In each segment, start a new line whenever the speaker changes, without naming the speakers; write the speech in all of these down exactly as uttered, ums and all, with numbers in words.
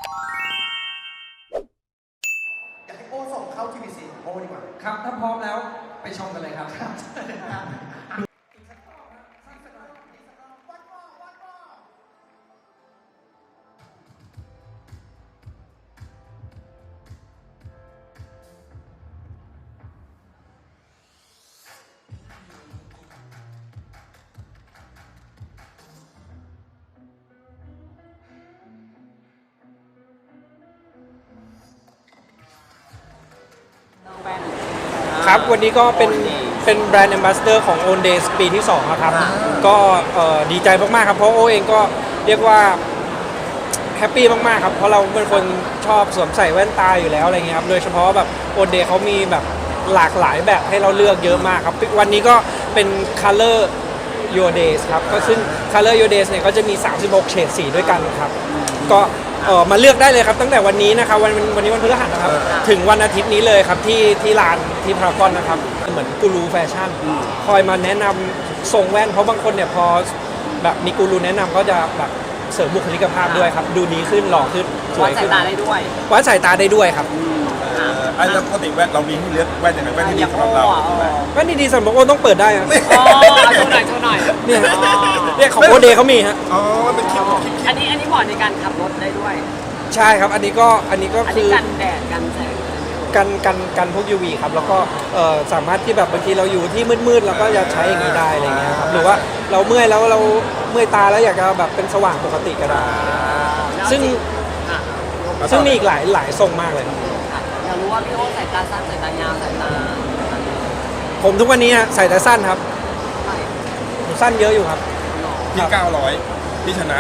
อยากให้โอ้ส่งเข้า ที วี ซี โอ้ดีกว่า
ครับถ้าพร้อมแล้วไปชมกันเลยครับครับวันนี้ก็เป็นเป็นแบรนด์ Ambassador ของ Own Days ปีที่สองครับก็ดีใจมากๆครับเพราะโอเองก็เรียกว่าแฮปปี้มากๆครับเพราะเราเป็นคนชอบสวมใส่แว่นตาอยู่แล้วอะไรเงี้ยครับโดยเฉพาะแบบ Own Day เขามีแบบหลากหลายแบบให้เราเลือกเยอะมากครับวันนี้ก็เป็น Color Your Days ครับก็ซึ่ง Color Your Days เนี่ยก็จะมีสามสิบหกเฉดสีด้วยกันครับก็เออมาเลือกได้เลยครับตั้งแต่วันนี้นะครับวันวันนี้วันพฤหัสนะครับถึงวันอาทิตย์นี้เลยครับที่ที่ร้านที่พารากอนนะครับเหมือนกูรูแฟชั่นคอยมาแนะนำทรงแว่นเพราะบางคนเนี่ยพอแบบมีกูรูแนะนำก็จะแบบเสริมบุคลิกภาพด้วยครับดูดีขึ้นหล่อขึ้นสวยขึ้นวัดสายตาได้ด้วยวัดสายตาได้ด้วยครับ
ไอ้แล้วปกติแว่นเรามีให้เลือกแว่นยังไงแว่นที่ดีสำหรับเรา
แว่นดีๆสำหรับโอต้องเปิดได้ครับ
อ๋อโชว์หน่อยโชว์หน่อย
เนี่ยเนี่ยของโอเดย์เขามีฮะ
อ๋อมันเป็นคลิป
อันนี้อันนี้เหมาะในการขับรถได้ด้วย
ใช่ครับอันนี้ก็อันนี้ก็
คือกันแดดกันแสง
กันกันกันพวก ยู วี ครับแล้วก็สามารถที่แบบบางทีเราอยู่ที่มืดๆเราก็จะใช้อย่างนี้ได้อะไรเงี้ยครับหรือว่าเราเมื่อยแล้วเราเมื่อยตาแล้วอยากจะแบบเป็นสว่างปกติก็ได้ซึ่งซึ่งมีอีกหลายหลายทรงมากเลย
อยากรู้ว่าพี่โอ้ใส่ตาสั้นใส่ตายาวใส่ตา
ผมทุกวันนี้ใส่แต่สั้นครับผมสั้นเยอะอยู่ครับ
พี่เก้าร้อยพี่ชนะ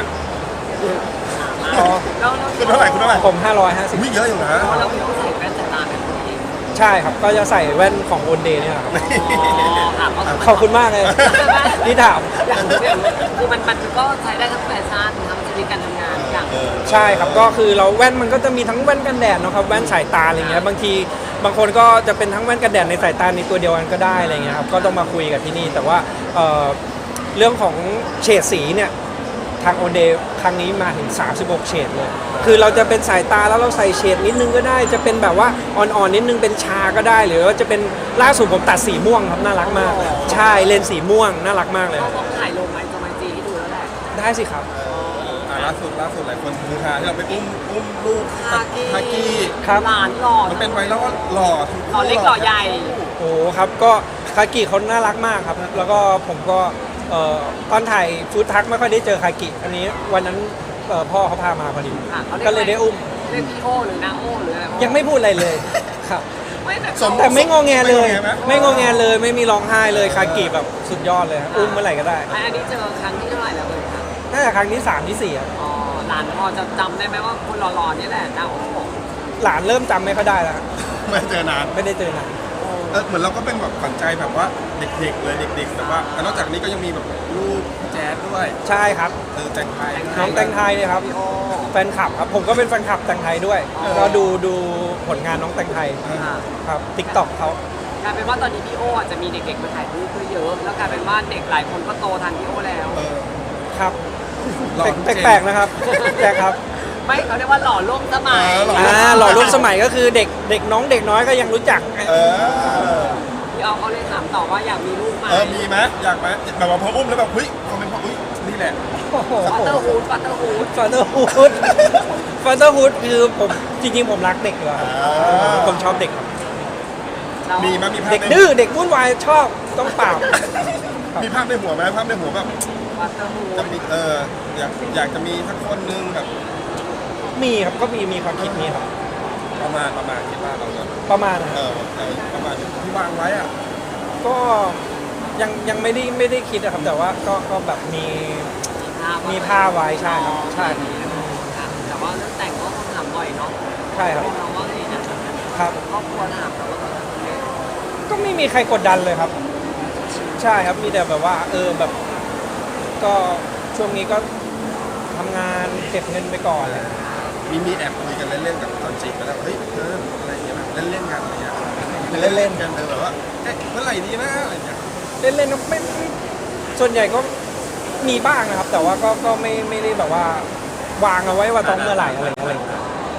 คุณ
เท่าไหร่คุณเท่าไหร่
ผมห้าร้อยห้าสิบ
เยอะอยู่นะ
แล้วพี่โอ้ใส่แว่นใส่ตาแบบนี้
ใช่ครับก็จะใส่แว่นของโอนเดย์เนี่ยครับขอบคุณมากเลยที่ถาม
คือมันมันก็ใช้ได้ทั้งแฟชั่นทั้งชีวิตการทำงานอย่าง
ใช่ครับก็คือเราแว่นมันก็จะมีทั้งแว่นกันแดดนะครับแว่นสายตาอะไรเงี้ยบางทีบางคนก็จะเป็นทั้งแว่นกันแดดในสายตาในตัวเดียวกันก็ได้อะไรเงี้ยครับก็ต้องมาคุยกับที่นี่แต่ว่าเรื่องของเฉดสีเนี่ยทางโอเดย์ครั้งนี้มาถึงสามสิบหกเฉดเลยคือเราจะเป็นสายตาแล้วเราใส่เฉดนิดนึงก็ได้จะเป็นแบบว่าอ่อนๆนิดนึงเป็นชาก็ได้หรือว่าจะเป็นล่าสุดผมตัดสีม่วงครับน่ารักมากใช่เลนสีม่วงน่ารักมากเลย
ต้องถ่ายลงไหมจะมาจีให้ดูแล้วแหละ
ได้สิครับ
ล่าสุดล่าสุดหลายคนคือฮาที่เราไปอุ้มอุ้มลูก
ฮากี้
ฮากี้
หลานหล่อ
มันเป็นไวรัลว่าหล่อ
หล่อเล็กหล่อใหญ่
โอ้ครับก็คากิเขาน่ารักมากครับแล้วก็ผมก็ตอนถ่ายฟู้ดทักไม่ค่อยได้เจอคากิอันนี้วันนั้นพ่อเขาพามาพอดีก็เลยได้อุ้ม
เรียกพี่โอหรือนางโอหรืออะไร
ยังไม่พูดอะไรเลยครับแต่ไม่งอแงเลยไม่งอแงเลยไม่มีร้องไห้เลยคากิแบบสุดยอดเลยอุ้มเมื่อไหร่ก็ได้
อันนี้เจอครั้งที่เท่าไหร่แล้วเลยครับ
น่าจะครั้งที่สามที่สี่อ่ะ
อ๋อหลานพอจะจำได้ไหมว่าคนหล่อๆนี่แหละนางโอ
หลานเริ่มจำไม่ค่อยได้แล้ว
ไม่เจอนาน
ไม่ได้เจอนาน
เออเหมือนเราก็เป็นแบบขวัญใจแบบว่าเด็กๆเลยเด็กๆแต่ว่านอกจากนี้ก็ยังมีแบบลูกแจ๊ดด้วย
ใช่ครับ
เออแตงไทย
น้องแตงไทยเนี่ยครับแฟนคลับครับผมก็เป็นแฟนคลับแตงไทยด้วยก็ดูดูผลงานน้องแตงไทยครับติ๊กต็อกเขา
กลายเป็นว่าตอนนี้พี่โออาจจะมีเด็กๆมาถ่ายรูปเยอะแล้วกลายเป็นว่าเด็กหลายคนก็โตทันพี่โอแล้ว
ครับแปลกๆนะครับแปลกครับ
ไม่เขาเรียกว่าหล่อร่วมสมัย
อ่าหล่อร่วมสมัยก็คือเด็กเด็กน้องเด็กน้อยก็ยังรู้จัก
พี่เอาเขาเลยถามต่อว่าอยากมีลูกไหม
เออมีไหมอยากไหมแบบว่าพออุ้มแล้วแบบเฮ้ยคอมเมนต์ว่าเฮ้ยนี่แหละ
ฟัตเตอร์ฮูดฟัตเตอร์ฮูด
ฟัตเตอร์ฮูดฟัตเตอร์ฮูดคือผมจริงๆผมรักเด็กเลยผมชอบเด็ก
มีมั้ยมีภาพ
เด็กดื้อเด็กวุ่นวายชอบต้องเปล่า
มีภาพในหัวไหมภาพในหัวแบบจะมีเอออยากอยากจะมีสักคนนึงแบบ
มีครับก็มีมีความคิดนี้ครับ
ประมาณประมาณคิดว่าเราจะ
ประมาณ
เออประมาณที่วางไว้อ่ะ
ก็ยังยังไม่ได้ไม่ได้คิดนะครับแต่ว่าก็ก็แบบมีมีผ้าไว้ใช่ครับใช่
แต่ว่าเรื่องแต่งก็ต้องถามบ่อยเนาะ
ใช่ครับ
เราว่าไงนะครับครอบครัวถามเราว่า
ก็ไม่มีใครกดดันเลยครับใช่ครับมีแต่แบบว่าเออแบบก็ช่วงนี้ก็ทำงานเก็บเงินไปก่อนเลย
มีมีแอบคุยกันเล่นๆกับตอนจีบไปแล้วเฮ้ยเอออะไรอย่างเงี้ยเล่นเล่นกันอะไรอย่างเงี้ย
เล่น
ๆกันแบบว่าเอ๊ะเมื่อไหร่ดีนะอะไรอย่างเงี้ย
เล่นๆไม่ส่วนใหญ่ก็มีบ้างนะครับแต่ว่าก็ก็ไม่ไม่ได้แบบว่าวางเอาไว้ว่าต้องเมื่อไหร่อะไรอะไร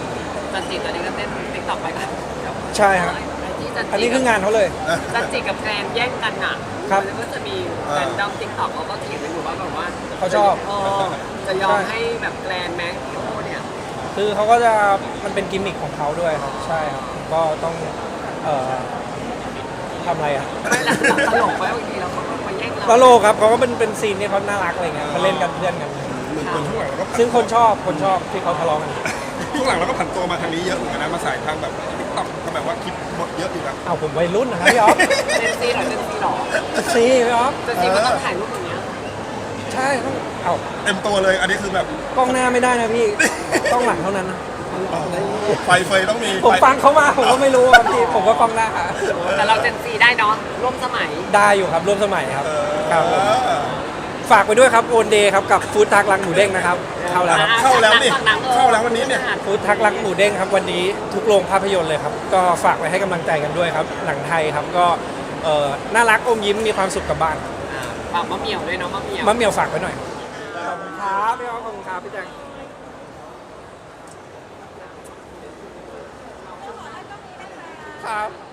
จันจิตอนนี้ก็เต้นติ๊กต็อกไปกัน
ใช่ครับ
ที่จันจิ
อันนี้คืองานเขาเลย
จันจิกับแกรนแย่งกันอ่ะ
ครับ
มันก็จะมีแฟนดอมติ๊กต็อกเขาก็เถียงกันอยู่ว่าแบบว่า
เขาชอบ
เออจะยอมให้แบบแกรนแม็กโอเนี่ย
คือเขาก็จะมันเป็นกิมมิคของเขาด้วยครับใช่ครับก็ต้องเอ่อทำอะไรอ่ะ
ไม่ละเราตลกไปบางทีเราเขาก็มาแย่ง
ต
เรา
ลกครับเขาก็เป็นเป็นซีนที่เขาน่ารักอะไรเงี้ยเขาเล่นกันเพื่อนกัน
เหมือนคนช่วงหลังเราก็
ซึ่งคนชอบคนชอบที่เขาทะเลาะกัน
ช่วงหลังเราก็ผันตัวมาทางนี้เยอะเหมือนกันนะมาสายทางแบบติ๊กต็อกก็แบบว่าคลิปบทเยอะอยู่นะ
เอาผมวัยรุ่นนะครับพี่อ๊อฟ
เจนซีเหรอเจนซีเหรอ
ซีพี่อ๊อฟ
เจนซีมันต้องถ่ายรูปอย่างเงี้ย
ใช่ต้องเอา
เต็มตัวเลยอันนี้คือแบบ
กล้องหน้าไม่ได้นะพี่กล้องหลังเท่านั้นนะ
ไฟเฟยต้องมี
ผมฟังเขามาผมก็ไม่รู้ครับพี่ผมก็กล้องหน้า
แต่เราเจนซีได้เนาะร่วมสมัย
ได้อยู่ครับร่วมสมัยครับครับผม
เออ
ฝากไปด้วยครับโอนเดย์ครับกับฟู้ดทักรังหมูเด้งนะครับเข้าแล้วครับ
เข้าแล้วนี่เข้าแล้ววันนี้เนี่ย
ฟู้ดทักรักหมูเด้งครับวันนี้ทุกโรงภาพยนตร์เลยครับก็ฝากไว้ให้กำลังใจกันด้วยครับหนังไทยครับก็เอ่อน่ารักอมยิ้มมีความสุขกับบ้าน
ฝากมะเหมี่ยวด้วยเนาะมะเหมี่ยว
มะเหมียวฝากไว้หน่อยขอบคุณครับพี่อ๊อฟขอบคุณครับพี่แจ็คครับ